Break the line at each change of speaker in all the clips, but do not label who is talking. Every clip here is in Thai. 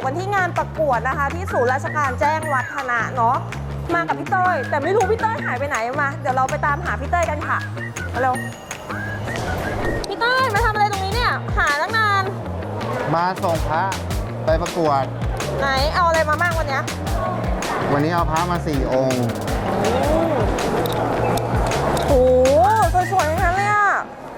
อยู่กันที่งานประกวดนะคะที่ศูนย์ราชการแจ้งวัฒนะเนาะมากับพี่เต้ยแต่ไม่รู้พี่เต้ยหายไปไหนมาเดี๋ยวเราไปตามหาพี่เต้ยกันค่ะมาเร็วพี่เต้ยมาทำอะไรตรงนี้เนี่ยหาตั้งนาน
มาส่งพระไปประกวด
ไหนเอาอะไรมาบ้างวันนี้
เอาพระมา4 องค์
โอ้โหสวยๆทั้งนั้นเลยอ่ะ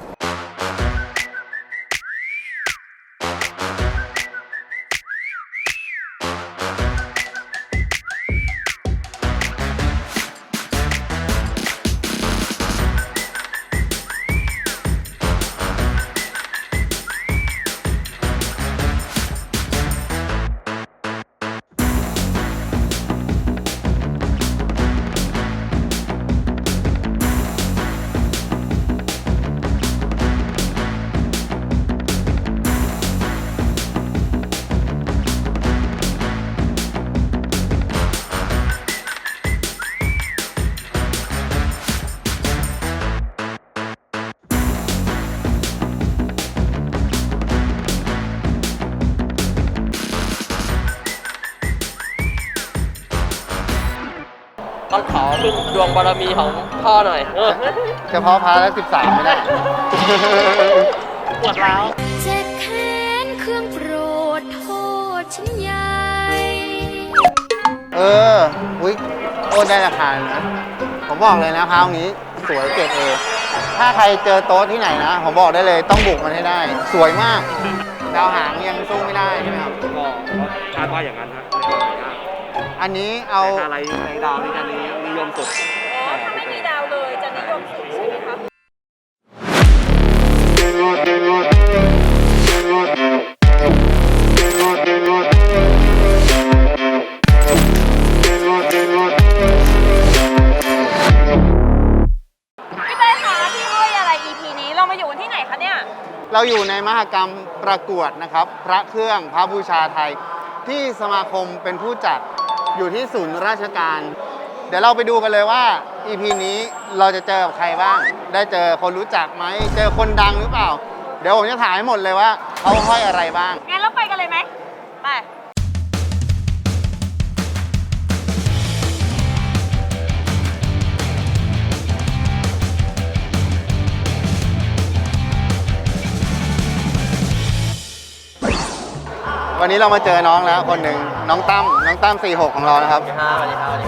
ต้องขอพึ่งดวงบารมีของพ่อหน่อย
เฉพาะพระแล้ว13ไม่ได้
ปวดร้าว
เจ็บแค้นเครื่องโปรดโทษฉันใหญ่
อุ้ยโอ้ได้ราคานะผมบอกเลยนะพระองค์นี้สวยเกรดเอถ้าใครเจอโต๊ะที่ไหนนะผมบอกได้เลยต้องบุกมันให้ได้สวยมากดาวหางยังสู้ไม่ได้ใช่ไหมครับ
ก็คาดว่าอย่างนั้นฮะ
อันนี้เอา
อะไรในดาวนี้จะนิยมสุด
ถ้าไม่มีดาวเลยจะนิยมสุดใช่ไหมคะพี่เต้ยคะพี่ห้อยอะไร EP นี้เรามาอยู่กันที่ไหนคะเนี่ย
เราอยู่ในมหกรรมประกวดนะครับพระเครื่องพระบูชาไทยที่สมาคมเป็นผู้จัดอยู่ที่ศูนย์ราชการเดี๋ยวเราไปดูกันเลยว่า EP นี้เราจะเจอกับใครบ้างได้เจอคนรู้จักไหมเจอคนดังหรือเปล่าเดี๋ยวผมจะถ่ายให้หมดเลยว่าเขาห้อยอะไรบ้าง
งั้นเราไปกันเลยไหมไป
วันนี้เรามาเจอน้องแล้วคนหนึ่งน้องตั้ม46ของเรานะครับ
สวัสดีครับ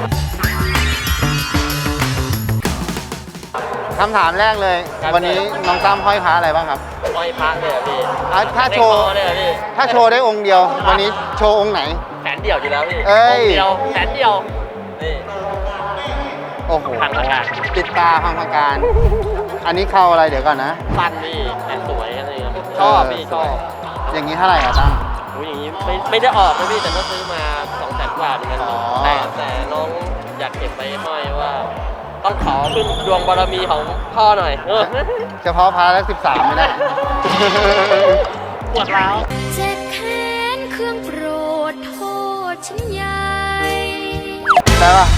คำถามแรกเลยวันนี้น้องตั้มห้อยพระอะไรบ้างครับ
ห้อยพระเลยพี่
ถ้าโชว์ได้องค์เดียววันนี้โชว์องค์ไหน
แสนเดียวอยู่แล้วพี่องค์เดียวแสนเดียวนี่
โอ้โห
พังประการ
ติดตาพังประการอันนี้เข้าอะไรเดี๋ยวก่อนนะ
ปั้นพี่แต่สวยอะไรชอบพี่ชอบ
อย่างนี้เท่าไหร่อะตั้ม
อย่างนี้ไม่ได้ออกนะพี่แต่ก็ซื้อมา200,000 กว่าเหมือนกันแต่น้องอยากเก็บไว้ห้อยว่าต้องขอพึ่งดวงบารมีของพ่อหน่อย
เฉพาะพระแล้ว13ไม่ได้
ปวดร้าว
เจ็บแค้นเครื่องโปรดโทษฉันใหญ่
ได้ปะ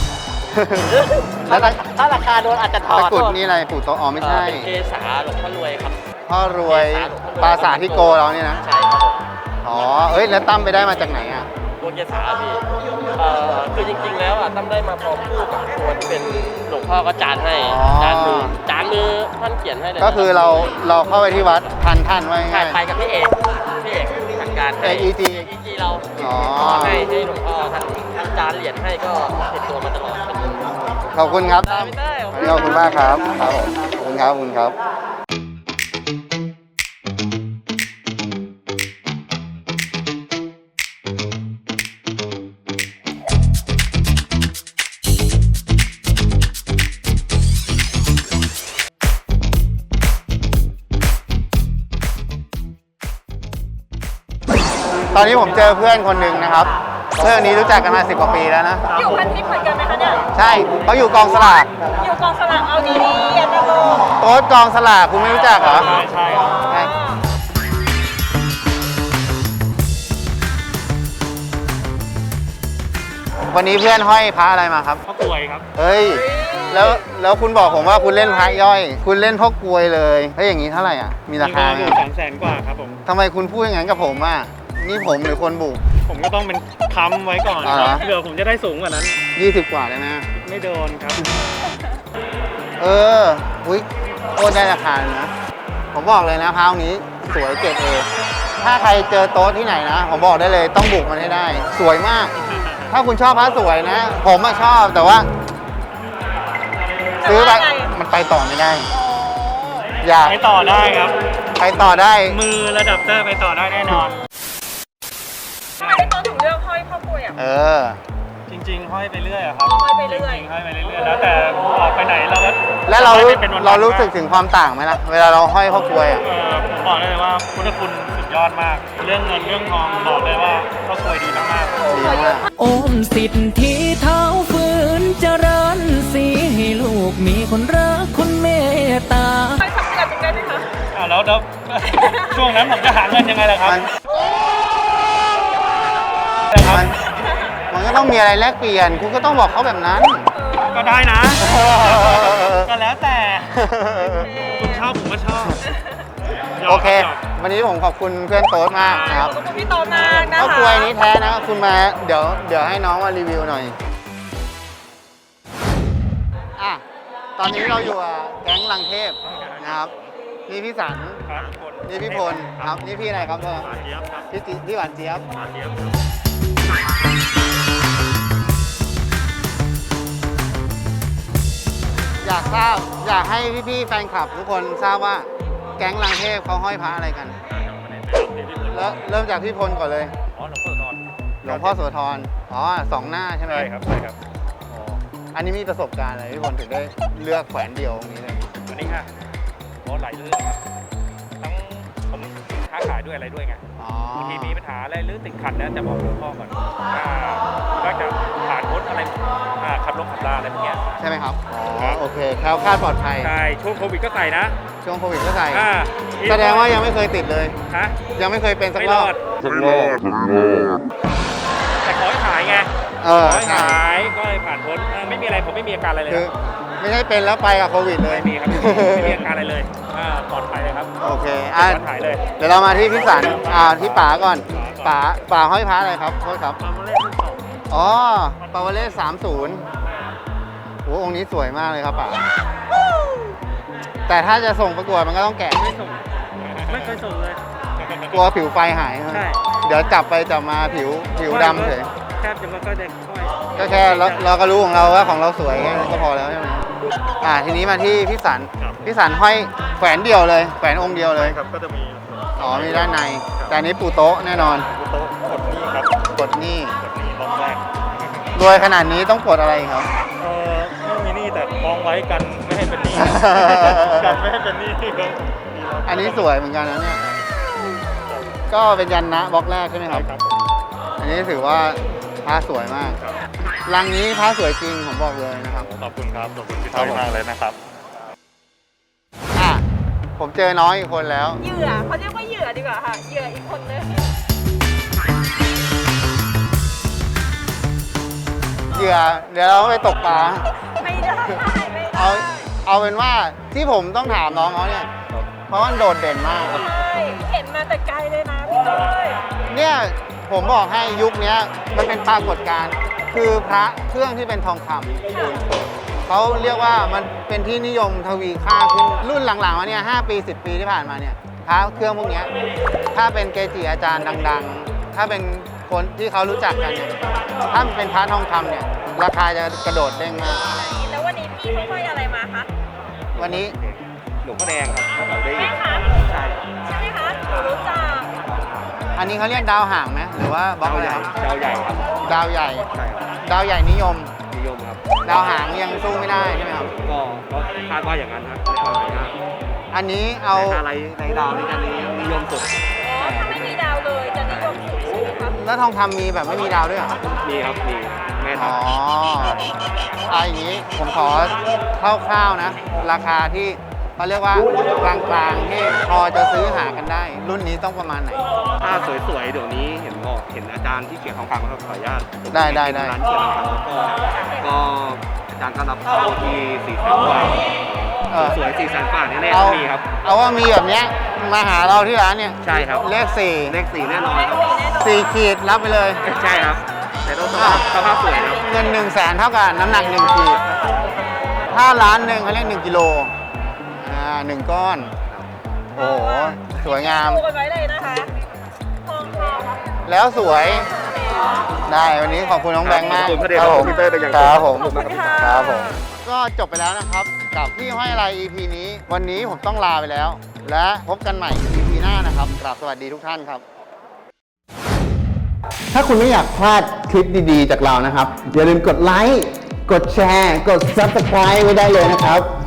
ถ้าราคาโดนอาจจะถอด
ตะกุดนี่อะไรปู่โตอ๋อไม่ใช่
เป็นเกษาหลวงพ่อรวยครับ
พ่อรวยปราสาทที่โกเราเนี่ยนะ
ใช่ครับ
อ๋อแล้วตั้มไปได้มาจากไหนอ่ะ
ตัวเกษาพี่คือจริงๆแล้วตั้มได้มาพร้อมคู่กับตัวที่เป็นหลวงพ่อก็จานให้จานมือท่านเขียนให้เลย
ก็คือเราเข้าไปที่วัดท่านไว้
ง่ายไปกับพี่เอกทางการให้
EG
เราให้หลวงพ่อท่านจานเหรียญให้ก็ติดตัวมาตลอด
ขอบคุณครับขอบคุณมากครับครับผมขอบคุณครับตอนนี้ผมเจอเพื่อนคนหนึ่งนะครับเพื่อนนี้รู้จักกันมา10 กว่าปีแล้วนะ
อยู่พันทิพย์เหมือนกันไหมคะเนี่ย
ใช่เขาอยู่กองสลาก
เอาดีๆอย่าตะโกน
โต๊ดกองสลากคุณไม่รู้จักเหรอ
ใช่
วันนี้เพื่อนห้อยพระอะไรมาครับ
พ่อกลวยครับ
เฮ้ยแล้วคุณบอกผมว่าคุณเล่นพระย่อยคุณเล่นพ่อกลวยเลยเฮ้ยอย่างนี้เท่าไหร่อ่ะมีราคา
อยู่200,000 กว่าครับผม
ทำไมคุณพูดอย่างนั้นกับผมอ่ะนี่ผมหรือคนบุก
ผมก็ต้องเป็นค้ำไว้ก่อน
อ๋อเหรอ
เผื่อผมจะได้สูงกว่านั้น
20 กว่าได้ไหม
ไม่โดนครับ
อุ้ยโคตรได้ราคาเลยนะ ผมบอกเลยนะพร้าวนี้สวยเกรดเอถ้าใครเจอโต๊ะที่ไหนนะ ผมบอกได้เลยต้องบุกมันให้ได้ สวยมาก ถ้าคุณชอบพระสวยนะ ผมชอบแต่ว่า ซื้อไปมันไปต่อไม่ได้ อยาก
ไปต่อได้ครับ
ไปต่อได้
มือระดับเตอร์ไปต่อได้แน่นอน
ทำไมพี่ต้นถึงเลือกห้อยพ่อกล้วยอ่ะ
จริงๆ ห้อยไปเรื่อยอะครับ
ห้อยไปเรื่อย
จงๆห้อยไปเรื่อยๆ แล้วแต่ออกไปไหนเราก็
แล้วเรา
ห้อยเป็นวันๆ
เรารู้สึกถึงความต่างไหมล่ะ เวลาเราห้อยพ่อกลวยอ่ะ
ผมบอกได้เลยว่าพุทธคุณสุดยอดมาก เรื่องเงินเรื่องทองบอกเลยว่าก็ควยดีมากๆ
ดีมาก
โอมสิทธิเท้าฝืนเจริญสีให้ลูกมีคนรักคนเมตตา
ๆไปสักเดือนหนึงได้ไหมคะ
แล้ว ช่วงนั้นผมจะหาเงินยังไงล่ะครับ
มัน
ครับ
มันก็ต้องมีอะไรแลกเปลี่ยน คุณก็ต้องบอกเขาแบบนั้น
ก็ได้นะ ก็แล้วแต่คุณชอบผมก็ชอบ
โอเค วันนี้ผมขอบคุณเพื่อนโต๊ดมากนะครับ
ขอบคุณพี่โตมากนะคะ
ข้าวกล้วยนี้แท้นะคุณมาเดี๋ยวให้น้องมารีวิวหน่อยอ่ะตอนนี้เราอยู่กับแก๊งลังเทพนะครับนี่พี่สัน
ครับ
นี่พี่พลครับนี่พี่อะไรครับเธอ
หวานเจี๊ยบครับ
พี่หวานเจี๊ยบ
หวานเจี๊ยบ
อยากให้พี่ๆแฟนคลับทุกคนทราบว่าแก๊งลังเทพเขาห้อยพระอะไรกัน แล้วเริ่มจากพี่พลก่อนเลย
อ๋อหลวงพ่อทอน
หลวงพ่อโสธรอ๋อสองหน้าใช่ไหม
ใช่ครับใช่ครับ
อ๋ออันนี้มีประสบการณ์อะไรพี่พลถึงได้เลือกแขวนเดียวตรงนี้เลย
วันนี้ค่ะเพราะหลายเรื่องครับทั้งผมค้าขายด้วยอะไรด้วยไง
อ๋อบ
างทีมีปัญหาอะไรหรือติดขัดแล้วจะบอกหลวงพ่อก่อนก็จะผ่านพ้นอะไรขับลงขับลาอะไรพวกเนี้ย
ใช่ไหมครับอ๋อ
ครับ
โอเคแคล้วคลาดปลอดภัย
ใช่ช่วงโควิดก็ใส่นะ
ช่วงโควิดก็ใส่
อ่า
แสดงว่ายังไม่เคยติดเลย
ฮะ
ยังไม่เคยเป็นสัก
ไม่
ร
ร
อ
อบ ดแต่ขอให้หายไง
เออ
ขอให้
ใช่
หายก็เลยผ่านพ้นไม่มีอะไรผมไม่มีอาการอะไรเลย
คือไม่ใช่เป็นแล้วไปกับโควิดเลย
ไม่มีครับไม่มีอาการอะไรเลยปลอดภัยเลยครับ
โอเคอ่ะ
ปลอดภัยเลย
เดี๋ยวเรามาที่พี่สันที่ป๋าก่อนป๋าห้อยพระอะไรครับโทษครับ
ความเล่นรุ่นสอง
อ๋อปาวเล่30โอ้องค์นี้สวยมากเลยครับป๋าแต่ถ้าจะส่งประกวดมันก็ต้องแกะ
ไม่ส่งไม่เคยส่งเลย
กลัวผิวไฟหาย
ใช่
เดี๋ยวจับไปจับมาผิวดำเฉย
แทบจะไม่ค่อยได้ค่อย
ก็แค่เราก็รู้ของเราว่าของเราสวยแค่นั้นก็พอแล้วใช่ไหมทีนี้มาที่พี่สันพี่สันห้อยแขวนเดียวเลยแขวนองค์เดียวเลย
ครับก็จะมี
อ๋อมีด้านในแต่อันนี้ปูโต๊ะแน่นอน
โต๊ะกดนี่ครับ
กดหนี่
กดนี่ล็อกแรก
รวยขนาดนี้ต้องกดอะไรครับ
ไม่มีหนี้แต่มองไว้กันไม่ให้เป็นหนี้ กันไม่ให้เป็นหนี้ครับ
อันนี้สวยเหมือนกันนะเนี่ย ก็เป็นยันนะบล็อกแรกใช่ไหมครับ
ครับผม
อันนี้ถือว่าพระสวยมาก
ครับ
รังนี้พระสวยจริงผมบอกเลยนะครับ
ขอบคุณครับขอบคุณพี่ต้อยมากเลยนะครับ
ผมเจอน้องอีกคนแล้ว
เหยื่อเขาเรียกว่าเหยื่อดีกว่าค่ะ เหยื่ออีกคนนึง
เหยื่อเดี๋ยวเราไปตกปลา
ไม่ได้ไม่ได้
เอาเป็นว่าที่ผมต้องถามน้องเขาเนี่ย เพราะมันโดดเด่นมาก
ใช่เห็นมาแต่ไกลเลยนะพี่เต้ย
เนี่ยผมบอกให้ยุคเนี้ยมันเป็นปรากฏการณ์คือพระเครื่องที่เป็นทองคำเขาเรียกว่ามันเป็นที่นิยมทวีค่าขึ้นรุ่นหลังๆมาเนี่ย5 ปี 10 ปีที่ผ่านมาเนี่ยพระเครื่องพวกเนี้ยถ้าเป็นเกจิอาจารย์ดังๆ ถ้าเป็นคนที่เขารู้จักกันเนี่ยถ้าเป็นพระทองคำเนี่ยราคาจะกระโดดเด้งมาก
แล้ววันนี้พี่เขาห้อยอะไรมาคะ
วันนี้
หลวงพ่อแดงครับเราได้
แม่คะ
ใช่
ใช่ไหมคะหนูรู้จัก
อันนี้เขาเรียกดาวห่างไหมหรือว่าบล็อกอะไรครับ
ดาวใหญ่ครับ
ดาวใหญ่
ใช่ครับ
ดาวใหญ่นิยม
นิยมครับ
ดาวหางยังสู้ไม่ได้ใช่ไหมครับ
ก็คาดว่าอย่างนั้นครับในความหมายนะ
อันนี้เอา
แต่อะไรในดาวในการนี้นิยมสุด
อ๋อ ถ้าไม่มีดาวเลยจะนิยมสุดใช่ไหมคะ
แล้วทองคำมีแบบไม่มีดาวด้วยเหรอ
มีครับมีแม่ทั
อ๋
พ
ออย่างนี้ผมขอคร่าวๆนะ ราคาที่เขาเรียกว่ากลางๆที่พอจะซื้อหากันได้ รุ่นนี้ต้องประมาณไหน
ถ้าสวยๆเดี๋ยวนี้เห็นอาจารย์ที่เขียนทองคำก็ขออนุญาต
ได้
ร้านเขียนทองคำก็อาจารย์ก็รับเข้าที่400,000 กว่า
เออ
สวย400,000 กว่าแน่ๆ
เอา
ต้องมีครับ
เอาว่ามีแบบเนี้ยมาหาเราที่ร้านเนี่ย
ใช่ครับ
เลข
เลข4แน่นอนครับ
แน่น
4 ขีดรับไปเลย
ใช่ครับ แต่ต้องสภาพสวยนะ
เงิน 100,000 เท่ากับน้ำหนัก 1 ขีด ถ้าล้านหนึ่งเขาเรียก1 กิโล1 ก้อน โอ้โห สวยงาม
ดูกันไว้เลยนะคะทองแท้
แล้วสวย ได้วันนี้ขอบคุณน้องแบงค์มาก
ขอบคุณพระเดชพระคุณพี่เต้ยเป็นอย่างสูง
ครับผม
ขอบคุณค่ะ
ครับผม ก็จบไปแล้วนะครับ กับพี่ห้อยอะไร EP นี้ วันนี้ผมต้องลาไปแล้ว และพบกันใหม่ EP หน้านะครับกราบสวัสดีทุกท่านครับ ถ้าคุณไม่อยากพลาดคลิปดีๆจากเรานะครับ อย่าลืมกดไลค์ กดแชร์ กด Subscribe ไว้ได้เลยนะครับ